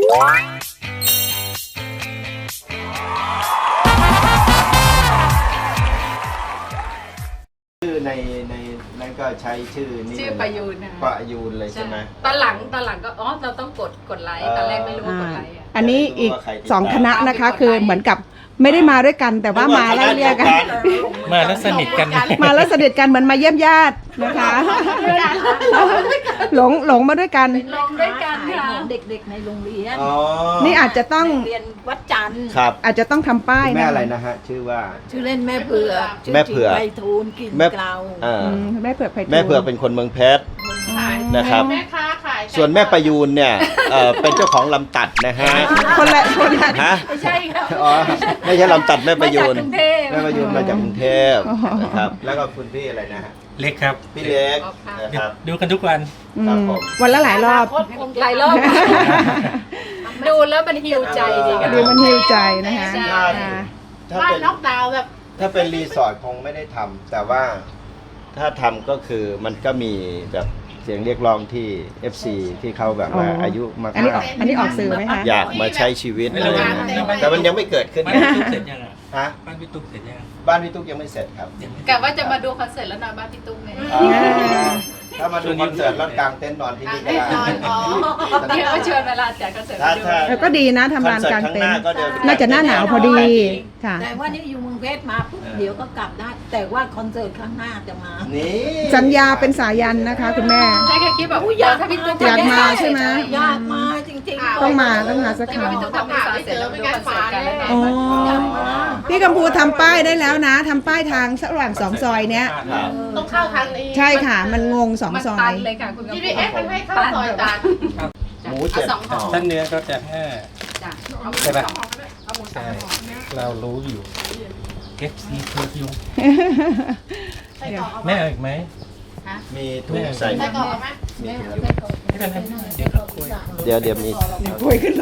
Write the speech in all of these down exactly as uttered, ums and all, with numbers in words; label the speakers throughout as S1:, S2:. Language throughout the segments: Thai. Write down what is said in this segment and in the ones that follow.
S1: ชื่อในในนั้นก็ใช้ชื่อนี่
S2: ชื่อประยูนนะ
S1: ประยูนเลยใช่ไหม
S2: ตอนหลังตอนหลังก็อ๋อเราต้องกดกดไลค์ตอนแรกไม่รู้ว่ากดไลค์อ่ะ
S3: อันนี้อีกสองคณะนะคะคือเหมือนกับไม่ได้มาด้วยกันแต่ว่ามาไล่เรียกกัน
S4: มาแล้วสนิทกัน
S3: มาแล้วสนิทกันเหมือนมาเยี่ยมญาตินะคะหลงหลงมาด้วยกัน
S2: ลงด้วยกันค่ะ
S5: เด็กๆในโรงเรียน
S3: นี่อาจจะต้อง
S5: เรียนวัดจันทร์
S1: ครับ
S3: อาจจะต้องทำป้ายนะ
S1: แม่อะไรนะฮะชื่อว่า
S5: ชื่อเล่นแม่เผือก
S1: แม่เผือก
S5: ไพฑูรย์กินเกลา
S3: แม่เผือกไพฑูรย์
S1: แม่เผือกเป็นคนเมืองเพชรนะครับ
S2: แม่ค้าขาย
S1: ส่วนแม่ประยูนเนี่ยเป็นเจ้าของลำตัดนะฮะ
S3: คนละคนละ
S1: ฮะ
S2: ไม่ใช่ครับ
S1: อ๋อไม่ใช่ลำตัดแม่ประยูน
S2: แม่
S1: ประยูนมาจากกรุงเทพนะครับแล้วก็คุณพี่อะไรนะฮะ
S4: เล็กครับ
S1: พี่เล็กนะครับ
S4: ดูกันทุกวัน
S1: ครับผม
S3: วันละหลายรอบ
S2: หลายรอบดูแล้วมันฮิวใจดี
S3: ดูมันฮิวใจนะคะ
S1: ถ้าเป็นน็อกดาวน์แบบถ้าเป็นรีสอร์ทคงไม่ได้ทำแต่ว่าถ้าทำก็คือมันก็มีแบบเสียงเรียกร้องที่ เอฟ ซี ที่เขาแบบว่าอายุมากๆอันนี้
S3: อันนี้ออกสื่อไหมคะ
S1: อยากมาใช้ชีวิตอะไรอย่างเงี้ยแต่มันยังไม่เกิดขึ้น
S4: บ้านพี่ตุ๊กเสร็จยังอ่ะ
S1: ฮะ
S4: บ้านพี่ตุ๊กเสร็จยัง
S1: บ้านพี่ตุ๊กยังไม่เสร็จครับ
S2: กะว่าจะมาดูคอนเสิร์ตแล้วนอนบ้านพี่ตุ๊กเนี่ย
S1: ถ้ามาดูคอนเสิร์ตแล้วกางเต็นท์นอนที่นี่ก็ได้
S2: เดี๋ยวชวนเวลาจัดคอนเสิร์ต
S3: ก็ดีนะทำงานกลางเต็นท์น่าจะหน้าหนาวพอดีค่ะ
S5: แต่ว่านี่อยู่เมืองเพชรมาปุ๊บเดี๋ยวก็กลับได้แต่ว่าคอนเสิร์ตครั้งหน้าจะมา
S1: นี่
S3: สัญญาเป็นสายันนะคะคุณแม่
S2: ใช่ค่ะคิดแบบอยากถ้าพี่ตุ๊ก
S3: อยากมาใช่ไหม
S5: อยากมาจริงๆ
S3: ต้องมาต้องมาสักครั้ง
S2: พี่ตุ๊กทำคอนเสิร์ตแล้วดูคอนเสิร์ตกันแล้ว
S3: อ๋อพี่กัมพูทำป้ายได้แล้วนะทำป้ายทางระหว่างสองซอยเนี้ย
S2: ต้องเข้าทางนี้
S3: ใช่ค่ะมันงงสองซอย
S2: เลยค่ะคุณกัมพู จี พี เอส มันให้เข้าซอยตัน
S1: หมูเจ็ด
S4: ท่านเนื้อก็จะห้าใช่ปะใช่เรารู้อยู่ เอฟ ซี เพื่อยุงแม่อีกไหม
S1: มีถุงใส่
S2: ใส่กรอกไหม
S1: มีถุงอยู่
S4: ไม่เป็นไร
S1: เดี๋ยวเดี๋ยวมี
S3: คุยขึ้น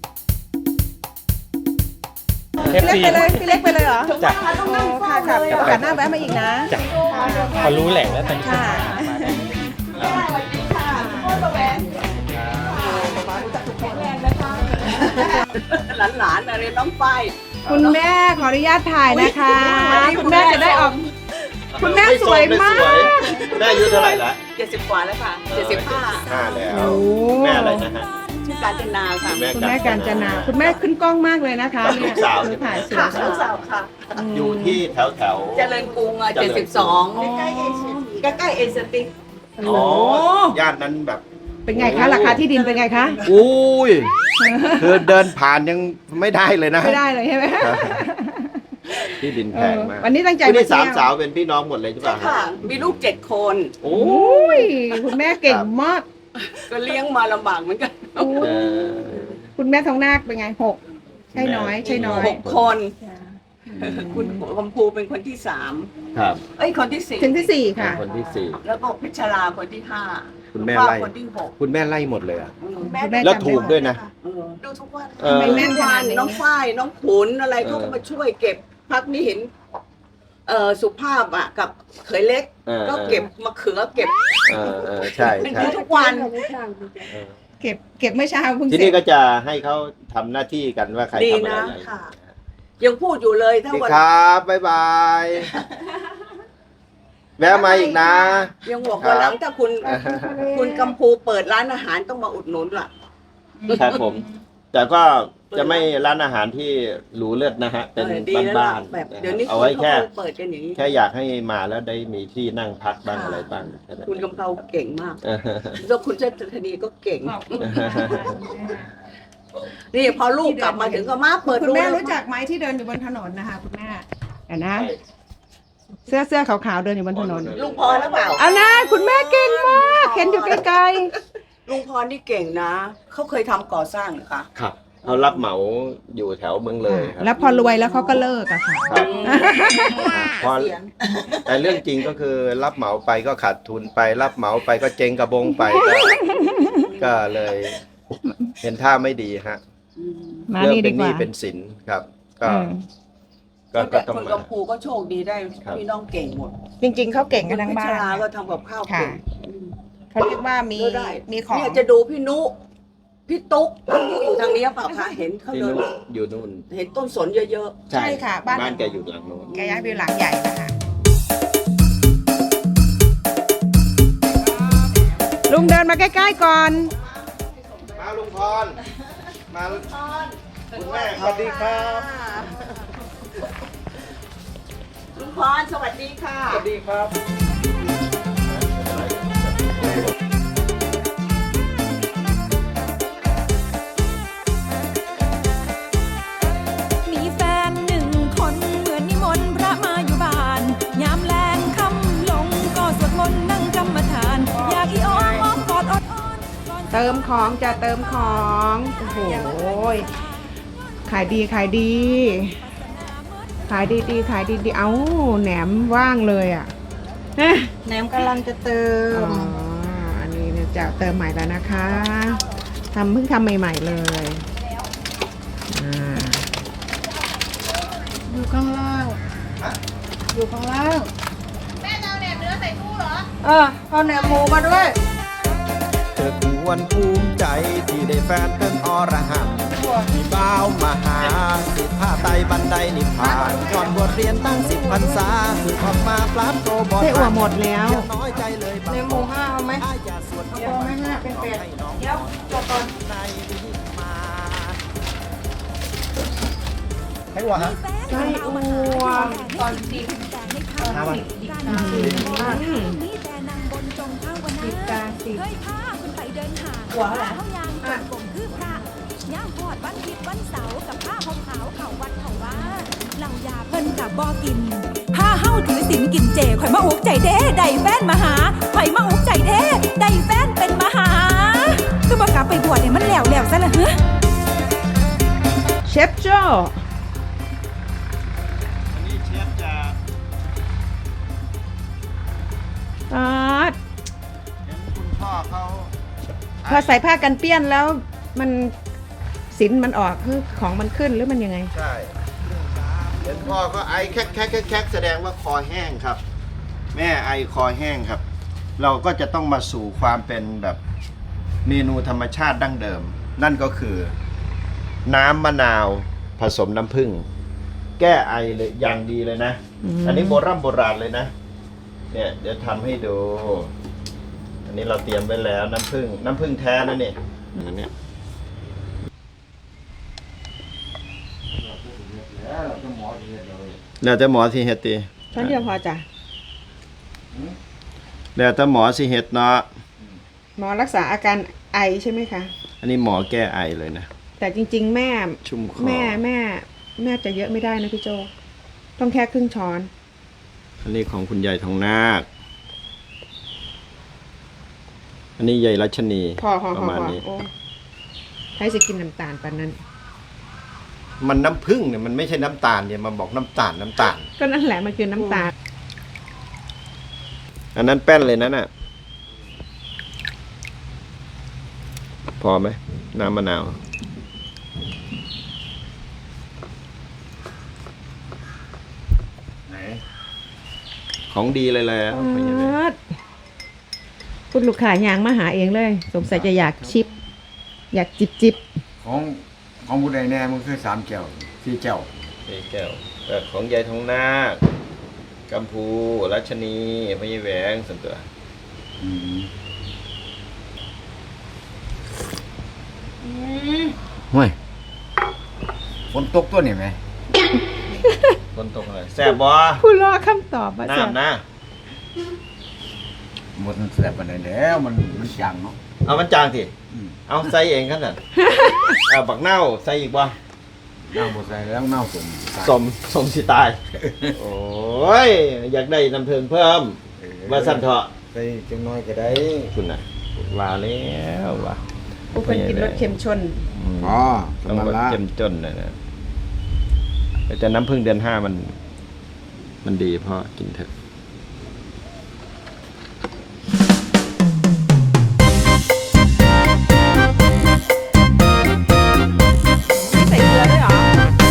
S3: พี่เล็กไปเลยพี่เล็กไปเลยเหรอ
S4: จ้ะ
S3: ค่ะค่ะโอกาสหน้าแวะมาอีกนะ
S4: จ้ะพอรู้แหล่งแล้วตอนนี้
S3: ค่ะ
S5: หลานๆอะไรน้องฝ้าย
S3: คุณแม่ขออนุญาตถ่ายนะคะคุณแม่จะได้ออกคุณแม่สวยมาก
S1: แม่อายุเท่าไหร่ละ
S5: เจ็ดสิบกว่าแล้วค่ะเจ็ดสิบห้า
S1: ห้าแล้วแม่อะไรนะฮะ
S5: ชื่อกาญจนาค่ะ
S3: คุณแม่กาญจนาคุณแม่ขึ้นกล้องมากเลยนะคะ
S1: ลูกสาว
S3: ถ่ายสวย
S5: ลูกสาวค่ะ
S1: อยู่ที่แถวแถว
S5: เจริญกรุงอ่ะเจ็ดสิบสองใกล้ใกล้ใกล้เอเชียติก
S1: อ๋อย่านนั้นแบบ
S3: เป็นไงคะราคาที่ดินเป็นไงคะ
S1: อุ้ยคือเดินผ่านยังไม่ได้เลยนะ
S3: ไม่ได้เลยใช่ไหม
S1: ที่ดินแพงมาก
S3: วันนี้ตั้งใจ
S1: มาสามสาวเป็นพี่น้องหมดเลยใช่ป่ะ
S5: ค่ะมีลูกเจ็ดคน
S1: โอ้
S3: ยคุณแม่เก่งมาก
S5: ก็เลี้ยงมาลำบากเหมือนกัน
S3: คุณแม่ทองนาคเป็นไงหกใช่น้อยใช่น้อย
S5: หกคนคุณคมพูเป็นคนที่สาม
S1: ครับ
S5: เอ้ยคนที่สี่
S3: ถึงที่สี่ค่ะ
S1: คนที่สี่
S5: แล้วก็พิชราคนที่ห้า
S1: คุณแม่ไล่
S5: คนที่หก
S1: คุณแม่ไล่หมดเลยอ่ะ
S3: แ
S1: ล้วถูกด้วยนะ
S5: ดูทุกวัน
S3: ไม่แม่วาน
S5: น้องฝ้ายน้องขุนอะไรเขาก็มาช่วยเก็บพักนี้เห็นเอ่อสุภาพอ่ะกับเขยเล็กก็เก็บมะเขือเก็บ
S1: เออใช่ใช่
S5: ทุกวัน
S3: เก็บเก็บเมื่อเช้าเพิ่ง
S1: ที่นี่ก็จะให้เขาทำหน้าที่กันว่าใครทำอะไร
S5: ยังพูดอยู่เลยถ้า
S1: วันครับบ๊ายบายแวะมาอีกนะ
S5: ยังบอกว่าหลังถ้าคุณคุณกัมพูเปิดร้านอาหารต้องมาอุดหนุนล่ะ
S1: ครับผมแต่ก็จะไม่ร้านอาหารที่หรูเลิศนะฮะเป็นบ้านๆเอาไว้แค่แค่อยากให้มาแล้วได้มีที่นั่งพักบ้างอะไรบ้าง
S5: คุณกำเพราเก่งมากแล้วคุณเชษฐนีก็เก่งนี่พอลูกกลับมาถึงก็มาเปิด
S3: คุณแม่รู้จักไหมที่เดินอยู่บนถนนนะคะคุณแม่เห็นนะเสื้อเสื้อขาวๆเดินอยู่บนถนน
S5: ลุงพรหรือเปล่า
S3: เอานะคุณแม่เก่งมากเห็นอยู่ไกล
S5: ๆลุงพรนี่เก่งนะเขาเคยทำก่อสร้างหรือคะ
S1: ครับเขารับเหมาอยู่แถวเมืองเลย
S3: ครับแล้วพอรวยแล้วเขาก็เลิกอะค่ะ
S1: พอแต่เรื่องจริงก็คือรับเหมาไปก็ขาดทุนไปรับเหมาไปก็เจ๊งกระบงไปก็เลยเห็นท่าไม่ดีฮะเรื่องเป็นหนี้เป็นสินครับก็
S5: ก็ต้องคนกัมพูก็โชคดีได้พี่น้องเก่งหมด
S3: จริงๆเขาเก่งกันทั้งบ้าน
S5: พิชราก็ทำกับข้าวเก่ง
S3: เขาเรียกว่ามีมีของ
S5: เนี่ยจะดูพี่นุพี่ตุ๊กอยู่อยู่ทางนี้เปล่าคะเห็นเขา
S1: ที่
S5: เดิน
S1: นู่นอยู่นู่น
S5: เห็นต้นสนเยอะ
S3: ใช่ค่ะบ้าน
S1: บ้านแกอยู่หลังโน้น
S3: แกย้ายไปหลังใหญ่นะคะ ลุงเดินมาใกล้ๆก่อน
S1: มาลุงพรมาคุณแม่สวัสดีครับ
S5: ๆลุงพรสวัสดีค่ะ
S1: สวัสดีครับ
S6: มีแฟนหนึ่งคนเหมือนนิมนต์พระมาอยู่บ้านยามแลงค่ำลงก็สวดมนต์นั่งกรรมฐาน อยากอีอ้อมอ้อมกอดอดอ้อนก่อน
S3: เติมของจะเติมของ โอ้โห ขายดีขายดี ขายดีดีขายดีดีเอ้าแหนมว่างเลยอ่ะ
S7: แหนมกำลังจะเติ
S3: อ๋อ
S7: ม
S3: อันนี้เนี่ยจะเติมใหม่แล้วนะคะทำเพิ่งทำใหม่ๆเลยอ่า
S7: อยู่ข้างล่าง อยู่ข้างล่าง
S2: แม่จะเอาแหนมเนื้อใส่ตู้เหรอ
S7: เออเอาแหนมหมูมาด้วย
S1: เธอควรภูมิใจที่ได้แฟนเป็นอรหันต์ที่บ้าวมาหาสิผ้าไตบันไดนิพพานย้อนบทเรียนตั้งสิบพรรษาคือออกมาปราบโตบอด
S3: ไส้อั่วหมดแล้ว
S1: อย่าน้อยใจเลย
S7: แหนมหมูห้าเอาไหม
S1: อ้ายอย่าสวด
S7: เอาไหมห้าเป็นแปดเดี๋ยวจบก่อน
S1: ในมา
S6: ให้วะไส้อั่วตอนสิบแต่ให้ข้าวสิบการสิบมีแต่นางบนจงภาวนา
S7: สิบกาสิบ
S6: เฮ้ยพาคุณไปเดินหา
S7: หัวเท่าไหร่
S6: เขายางจงกลมคือพระย่างพอดวันผิดวันเสาร์กับผ้าห่มขาวเข่าวัดเข่าว่าเหล่ายาเพิ่นกับบอกินผ้าเฮ้าถือศีลกินเจข่อยมาอุกใจเด้ได้แฟนมาหาข่อยมาอุกใจเด้ได้แฟนเป็นมหาคือบ่กลับไปบวชเนี่ยมันแล้วแล้วซะละเฮ้
S3: เชฟโจ้
S1: อันนี้เชฟจะ
S3: อ่า
S1: เห็นคุณพ่อเขา
S3: พอใส่ผ้ากันเปี้ยนแล้วมันสินมันออกคือของมันขึ้นหรือมันยังไง
S1: ใช่เห็นพ่อก็ไอแคกแคกแคกแคกแสดงว่าคอแห้งครับ แม่ไอคอแห้งครับ เราก็จะต้องมาสู่ความเป็นแบบเมนูธรรมชาติดั้งเดิม นั่นก็คือ น้ำมะนาวผสมน้ำผึ้งแก้ไอเลยอย่างดีเลยนะ
S3: อืม
S1: อันนี้โบราณโบราณเลยนะ เนี่ยเดี๋ยวทำให้ดู อันนี้เราเตรียมไว้แล้วน้ำผึ้งน้ำผึ้งแท้นะเนี่ยอันเนี้ยแล้วแต่หมอสิเฮ็ดติ
S3: ช้อนเดียวพอจ้ะ
S1: แล้วแต่หมอสิเฮ็ดเนาะ
S3: หมอรักษาอาการไอใช่ไหมคะ
S1: อันนี้หมอแก้ไอเลยนะ
S3: แต่จริง ๆ แม่
S1: ชุ่มคอ
S3: แม่แม่แม่จะเยอะไม่ได้นะพี่โจ ต้องแค่ครึ่งช้อน
S1: อันนี้ของคุณยายทองนาค อันนี้ยายรัชนี
S3: พอพอ
S1: ป
S3: พอ
S1: ระมาณ
S3: พอ
S1: นี้
S3: โอ้ใครจะกินน้ำตาลปานนั้น
S1: มันน้ำผึ้งเนี่ยมันไม่ใช่น้ำตาลเนี่ยมันบอกน้ำตาลน้ำตาล
S3: ก็นั่นแหละมันคือน้ำตาล
S1: อันนั้นแป้นเลยนั่นน่ะ พอไหมน้ำมะนาว ไหน ของดีเลยแหละ
S3: คุณลูกค้ายางมาหาเองเลย สงสัยจะอยากชิป อยากจิบจิบ
S8: ของของบุญใดแน่มันคือสามแก้วสี่แก้ว
S1: นี่แก้วเอ่อของยายทองนาคกัมพูรัชนีพญาแหวงส่วนตัว
S8: อืม ห่วยฝนตกตัวนี่ไหม
S1: คนตกอะไรแซ่บบ่
S3: ผู้รอคำตอบมา
S1: น้ำนะ
S8: หมดมันเสียบไปไหนแล้วมันมันจางเนาะ
S1: เอามันจางสิ
S8: อืม
S1: เอาใส่เองขนาด เอาบักเน่าใส่อีกบ่
S8: เน่าหมดใส่แล้วเน่าสม
S1: สมสมสิตาย โอ้ย อยากได้น้ำเพิงเพิ่ม
S8: เออ
S1: มาสั่นเถอะ
S8: ใส่จังน้อยก็ได้
S1: คุณน่ะว่าแล้วว่ะ
S3: ผู้คนกินรสเค็มชน
S1: ม
S8: อ๋อ
S1: ต้อง
S8: สำนั
S1: ร
S8: ก
S1: ส
S8: ละ
S1: เจ้มจนนะนะแต่น้ำพึ่งเดือนห้ามัน มันดีเพราะกินเถอะ
S3: ไม่ใส่เกลือด้วยเหรอ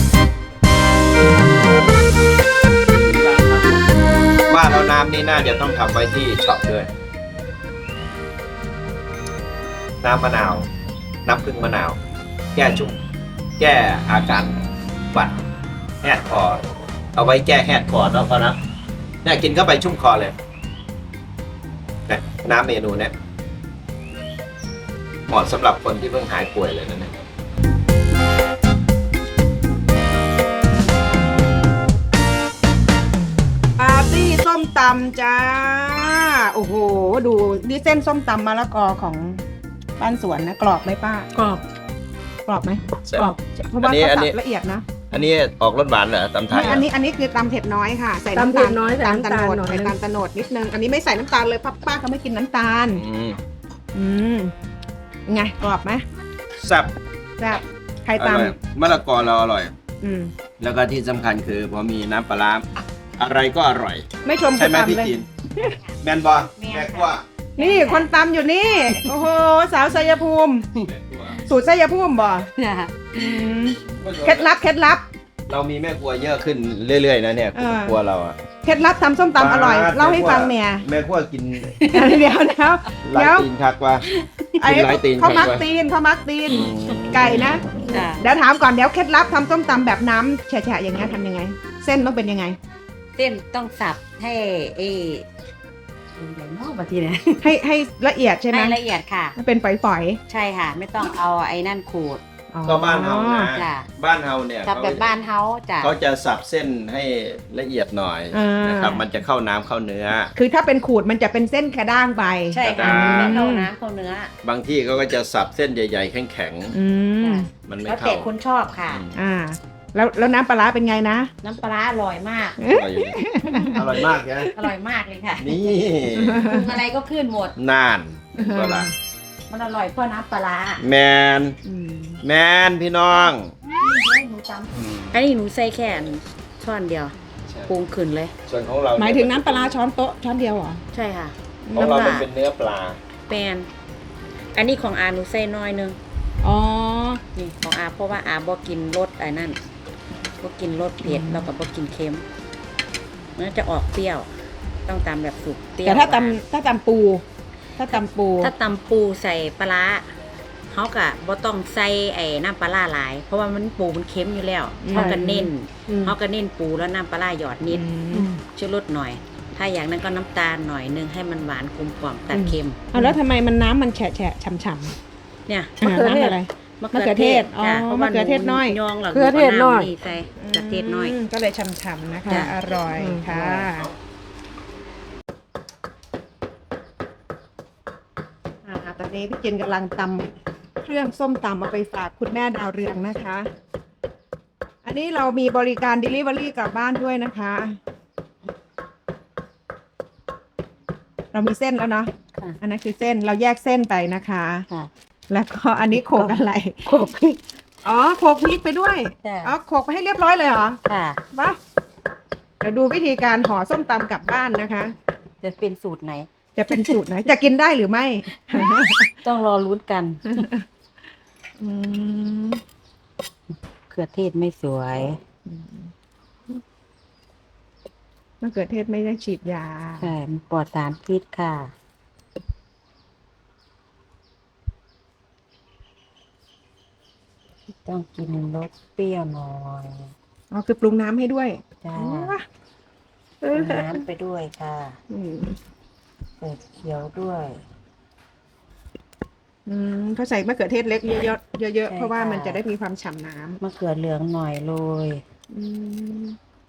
S1: ว่าแล้วน้ำนี่น่าจะต้องทำไว้ที่ช็อปด้วย น้ำมะนาวน้ำผึ้งมะนาว แก้ชุ่มแก้อาการหวัดแหดคอ เอาไว้แก้แหดคอเนาะพ่อนะเนี่ยกินเข้าไปชุ่มคอเลยนะน้ำเมนูเนี่ยเหมาะสำหรับคนที่เพิ่งหายป่วยเลยนะเนี่ย
S3: ปาร์ตี้ส้มตำจ้า โอ้โห ดูนี่เส้นส้มตำมะละกอของบ้านสวนนะ กรอบไหมป้า กรอบ กรอบไหมกรอบ เพราะว่าเขาสับละเอียดนะ
S1: อันนี้ออกรสหวานเหรอตำไทย
S3: ไม่อันนี้อันนี้คือตำเผ็ดน้อยค่ะ ใส่น้ำตาลน้อยใส่น้ำตาลโนดใส่น้ำตาลโนดนิดนึง อันนี้ไม่ใส่น้ำตาลเลยป้าป้าเขาไม่กินน้ำตาล
S1: อืม
S3: อืมไงกรอบไหม
S1: แซ่บ
S3: แซ่บใคร
S1: อ
S3: ต
S1: ร่อยมะละกอเราอร่อย
S3: ำอืม
S1: แล้วก็ที่สำคัญคือพอมีน้ำปลาร้าอะไรก็อร่อย
S3: ไม่ชมค
S1: ใช่
S3: น
S1: ไหมพี่
S3: ตำเลย
S1: จีนแมนบอแม่กว่า
S3: นี่คนตำอยู่นี่ โอ้โห สาวชัยภูมิ สูตรชัยภูมิบ่อืมเคล็ดลับเคล็ดลับ
S1: เรามีแม่ครัวเยอะขึ้นเรื่อยๆนะเนี่ย
S3: เออ
S1: ครัวเราอะ
S3: เคล็ดลับทำส้มตำอร่อย เล่าให้ฟังเนี่ย
S1: แม่ครัวกิน
S3: เดี๋ยวเดี๋ยว
S1: หลาย
S3: เดี๋ยว
S1: ตีนคักว่า
S3: ไอ้
S1: กินหลายตีน
S3: เขา
S1: คั
S3: มั
S1: ก
S3: ก
S1: ว่า
S3: ตีนเขามักตีน
S1: อืม
S3: ไก่นะ
S2: จ้ะ
S3: เดี๋ยวถามก่อนเดี๋ยวเคล็ดลับทำส้มตำแบบน้ำแฉะๆอย่างเงี้ยทำยังไง เส้นต้องเป็นยังไง
S2: เส้นต้องสับให้เออะไรเนาะบางทีเนี่ย
S3: ให้ให้ละเอียดใช่ไหม
S2: ให้ละเอียดค่ะ
S3: มันเป็นฝอย
S2: ใช่ค่ะ ไม่ต้องเอาไอ้นั่นขูด
S3: ๆอ๋อ
S1: ก็บ้านเฮานะ
S2: จ้ะ
S1: บ้านเฮาเนี่ย
S2: สับแบบบ้านเฮาจ้ะ
S1: เขาจะสับเส้นให้ละเอียดหน่อย
S3: อ่าน
S1: นะครับมันจะเข้าน้ำเข้าเนื้อ
S3: คือถ้าเป็นขูดมันจะเป็นเส้นกระด้างไป
S2: ใช่ค่ะมันไม่เข้าน้ำเข้าเนื้อบ
S1: างที่เขาก็จะสับเส้นใหญ่ๆแข็ง
S3: อืม
S2: จ้ะ
S1: ๆมันไม่
S2: แล้ว
S1: เข้า
S2: แต่คุณชอบค่ะ
S3: อ่า แล้วแล้วน้ำปลาร้าเป็นไงนะ
S2: น้ำปลาร้าอร่อยมาก
S1: อร่อยอยู่อร่อยมากนะ
S2: อร่อยมากเลยค่ะ
S1: นี่
S2: ปรุงอะไรก็ขึ้นหมด
S1: นานก็ละ
S2: มันอร่อยเพราะน้ำปลาร้า
S1: แมน
S3: อืม
S1: แมนพี่น้อง
S2: หนูจำอันนี้หนูใส่แค่ช้อนเดียวปรุงขึ้นเลย
S1: ส่วนของเรา
S3: หมายถึงน้ำปลาร้าช้อนโต๊ะช้อนเดียวเหรอ
S2: ใช่ค่ะ
S1: ของเรามันเป็นเนื้อปลา
S2: แปนอันนี้ของอาหนูใส่น้อยนึง
S3: อ๋อ
S2: นี่ของอาเพราะว่าอาบอกกินรสไอ้นั่นบอกกินรสเผ็ดแล้วก็บอกกินเค็มมันจะออกเปรี้ยว ต้องตำแบบสุกเปรี้ยว
S3: แต่ถ้า
S2: หวาน
S3: ตำถ้าตำปู ถ้าตำปู
S2: ถ้าตำปูใส่ปลาร้าเขากะบ่ต้องใส่ไอ้น้ำปลาร้าหลาย เพราะว่ามันปูมันเค็มอยู่แล้วเขาก็เน้น
S3: อืม
S2: เขาก็เน้นปูแล้วน้ำปลาร้าหยอดนิด
S3: อืม
S2: ชูรสหน่อย ถ้าอย่างนั้นก็น้ำตาลหน่อยนึงให้มันหวานกลมกล่อมตัดเค็ม
S3: เอาแล้วทำไมมันน้ำมันแฉะแฉะฉ่ำฉ่
S2: เนี่ย
S3: ำอ่าน้ำอะไร
S2: มะ
S3: มะเขือเทศอ๋อ
S2: จ้ะพราะว่าม
S3: ะเขือเทศน้อย
S2: ยองหรอก
S3: เขือเทศน้อย
S2: นี่ใส่มะเขือเทศน้อย
S3: มก็เลยฉ่ำๆนะคะ
S2: จ้ะ
S3: อร่อยค่ะอ่าตอนนี้พี่จินกำลังตำเครื่องส้มตำเอาไปฝากคุณแม่ดาวเรืองนะคะ อันนี้เรามีบริการ Delivery กลับบ้านด้วยนะคะ เรามีเส้นแล้วเนาะ
S2: ค่ะ
S3: อันนั้นคือเส้นเราแยกเส้นไปนะคะ
S2: ค่ะ
S3: แล้วก็อันนี้โขลกอะไร
S2: โขลกพริก
S3: อ๋อโขลกพริกไปด้วย
S2: จ้ะ
S3: อ๋อโขลกไปให้เรียบร้อยเลยเหรอ
S2: ค่ะ
S3: วะเดี๋ยวดูวิธีการห่อส้มตำกลับบ้านนะคะ
S2: จะเป็นสูตรไหน
S3: จะเป็นสูตรไหน จะกินได้หรือไม่
S2: ต้องรอลุ้นกัน
S3: อืม
S2: เขือเทศไม่สวย
S3: มะเขือเทศไม่ได้ฉีดยา
S2: ใช่มันปลอดสารพิษค่ะ ต้องกินรสเปรี้ยวหน่อย
S3: อ๋อคือปรุงน้ำให้ด้วย
S2: จ้า
S3: อ๋อเอ
S2: เอา
S3: อ
S2: น้ำไปด้วยค่ะ
S3: อืม
S2: ใส่เขียวด้วย
S3: อืมเขาใส่มะเขือเทศเล็กเยอะๆเยอะๆ
S2: ใช่
S3: เพราะว่า
S2: ค่ะ
S3: มันจะได้มีความฉ่ำน้
S2: มะเขือเหลืองหน่อยโรย
S3: ำอืม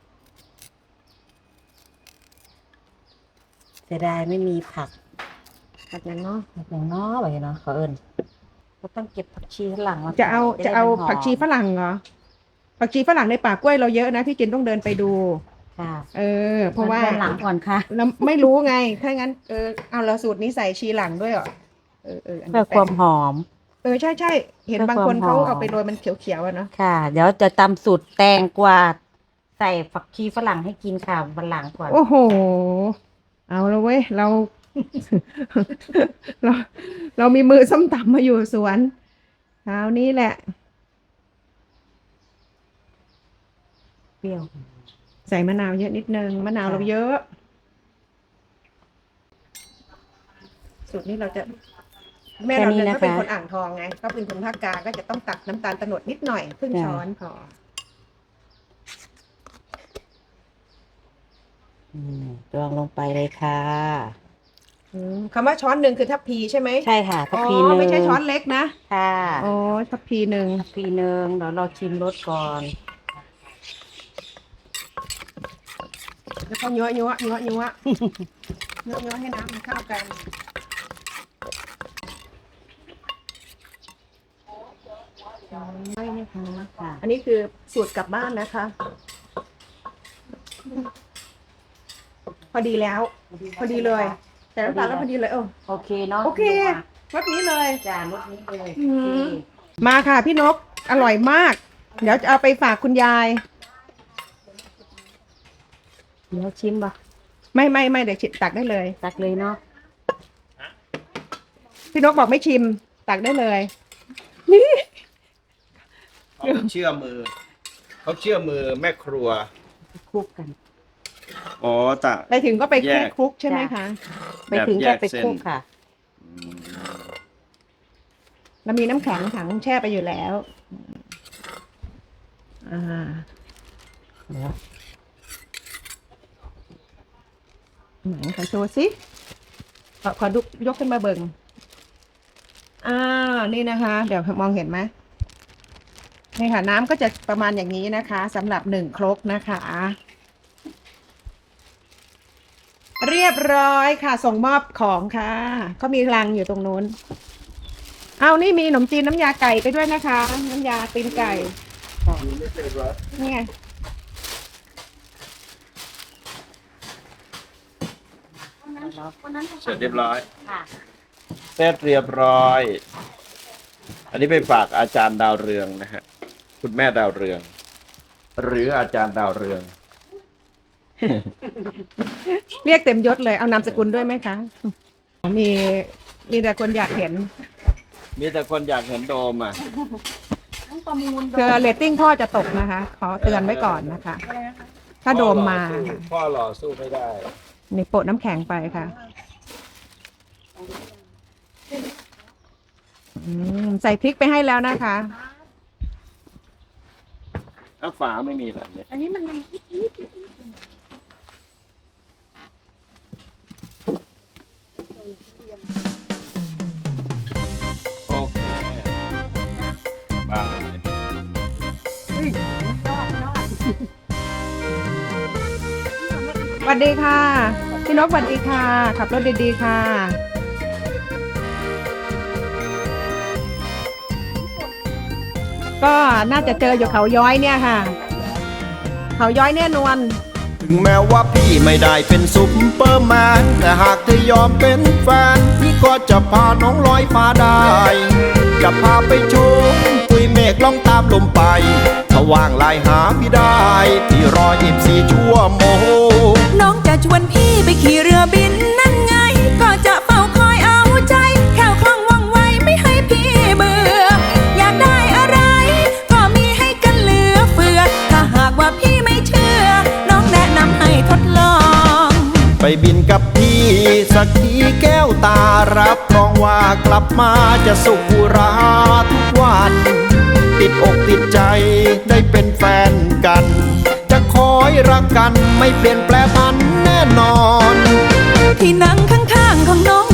S2: เสียดายไม่มีผัก
S3: แบบนั้นเนาะ
S2: ผักอย่างน้อยแบบนี้เนาะขอเอิญก็ต้องเก็บผักชีข้างหลังมา
S3: จะเอา
S2: ใส่
S3: จะเอา
S2: ได้มันหม
S3: ผักชีฝรั่งเหรอ ผักชีฝรั่งในป่ากล้วยเราเยอะนะพี่จินต้องเดินไปดู
S2: ค่ะ
S3: เออ เพราะว่า
S2: ด้นหลังก่อนค่ะ
S3: เราไม่รู้ไง ถ้างั้น เออ เอาเราสูตรนี้ใส่ชีหลังด้วยเหรอ เออเอออันนี้
S2: เพื่อความหอม
S3: เออ ใช่ใช่เห็น
S2: เพื่อบ
S3: างคน
S2: ความหอม
S3: เขาเอาไปโรยมันเขียวๆอะเนาะ
S2: ค่ะ เดี๋ยวจะตำสูตรแตงกวาใส่ผักชีฝรั่งให้กินค่ะวันหลังก่อน
S3: โอ้โห เอาแล้วเว้ย เรา เรา เรามีมือส้มตำมาอยู่สวนคราวนี้แหละ
S2: เปรี้ยว
S3: ใส่มะนาวเยอะนิดนึง มะนาว
S2: ค่ะ
S3: เราเยอะ สูตรนี้เราจะแม่เราเนี่ย
S2: แค่นี้
S3: ก็เป็น
S2: นะคะ
S3: คนอ่างทองไง ก็เป็นคนภาคกลางก็จะต้องตักน้ำตาลโตนดนิดหน่อยครึ่ง
S2: จ้ะ
S3: ช้อนพอ
S2: อืมตวงลงไปเลยค่ะ
S3: อืมคำว่าช้อนหนึ่งคือทัพพีใช่ไหม
S2: ใช่ค่ะทัพพี
S3: อ๋
S2: ห
S3: อ
S2: นึ่ง
S3: ไม่ใช่ช้อนเล็กนะ
S2: ค่ะ
S3: อ๋อทัพพีหนึ่ง
S2: ทัพพีหนึ่งเดี๋ยวเราชิมรสก่อน
S3: แล้วก็ยั้วยั้วยั้วยั้วยั้วยั้วให้น้ำมันเข้ากันไม่นะคะ
S2: ค่ะ
S3: อันนี้คือสูตรกลับบ้านนะคะ พอดีแล้ว พอดีเลยแต่น้ำตาลแล้วพอดีเลยเออ
S2: โอเคเนาะ
S3: โอเครสนี้เลย
S2: จ้ารสนี้เลย
S3: อืม มาค่ะพี่นก อร่อยมาก เดี๋ยวจะเอาไปฝากคุณยาย
S2: เดี๋ยวชิมป่ะ
S3: ไม่ไม่ไม่เดี๋ยวชิมตักได้เลย
S2: ตักเลยเนาะ
S3: พี่นกบอกไม่ชิม ตักได้เลย
S1: เขาเชื่อมือ เขาเชื่อมือแม่ครัว
S2: คลุกกัน
S1: อ๋อตะ
S3: ไปถึงก็ไป
S1: แยก
S3: คลุกใช่ไหมคะ
S2: ไปถึง
S1: แบบแย
S2: แค่
S1: ก
S2: ไป
S1: เส้น
S2: คลุกค่ะ
S3: เรามีน้ำแข็งถังแช่ไปอยู่แล้ว อ่า
S2: เดี๋ยว
S3: ไหนขอโชว์สิขอขอดูยกขึ้นมาเบิ่งอ่านี่นะคะ เดี๋ยวมองเห็นไหมนี่ค่ะ น้ำก็จะประมาณอย่างนี้นะคะสำหรับหนึ่งครกนะคะ เรียบร้อยค่ะ ส่งมอบของค่ะก็มีรังอยู่ตรงนู้น เอานี่มีขนมจีนน้ำยาไก่ไปด้วยนะคะ น้ำยาตีนไก่นี่ไง
S1: เสร็จเรียบร้อย
S2: ค่ะ
S1: เสร็จเรียบร้อย อันนี้ไปฝากอาจารย์ดาวเรืองนะฮะ คุณแม่ดาวเรือง หรืออาจารย์ดาวเรือง
S3: เรียกเต็มยศเลยเอานามสกุลด้วยไหมคะ มีมีแต่คนอยากเห็น
S1: มีแต่คนอยากเห็นโดมอ่ะ
S3: คือเรตติ้งพ่อจะตกนะคะ ขอเตือนไว้ก่อนนะคะ ถ้าโดมมาค่ะ
S1: พ่อหล่อสู้ไม่ได้
S3: นี่โปะน้ำแข็งไปค่ะอืมใส่พริกไปให้แล้วนะคะ
S1: ถ้าฝาไม่มีแบบนี้
S2: อันนี้มัน
S1: โอเคบ้า
S3: สวัสดีค่ะ พี่นกสวัสดีค่ะ ขับรถดีๆค่ะ ก็น่าจะเจออยู่เขาย้อยเนี่ยค่ะ เขาย้อยแน่นอน
S9: ถึงแม้ว่าพี่ไม่ได้เป็นซุปเปอร์แมนแต่หากเธอยอมเป็นแฟนพี่ก็จะพาน้องลอยฟ้าได้ จะพาไปชมปุยเมฆล่องตามลมไปถ้าว่างไลน์หาพี่ได้ พี่รอยี่สิบสี่ชั่วโมง
S6: น้องจะชวนพี่ไปขี่เรือบินนั่นไง ก็จะเฝ้าคอยเอาใจแค่วคล่องว่องไวไม่ให้พี่เบื่อ อยากได้อะไร ก็มีให้กันเหลือเฟือ ถ้าหากว่าพี่ไม่เชื่อ น้องแนะนำให้ทดลอง
S9: ไปบินกับพี่สักทีแก้วตารับรองว่ากลับมาจะสุขอุราทุกวัน ติดอกติดใจได้เป็นแฟนกัน จะคอยรักกันไม่เปลี่ยนแปลพันแน่นอน
S6: ที่นั่งข้างๆของน้อง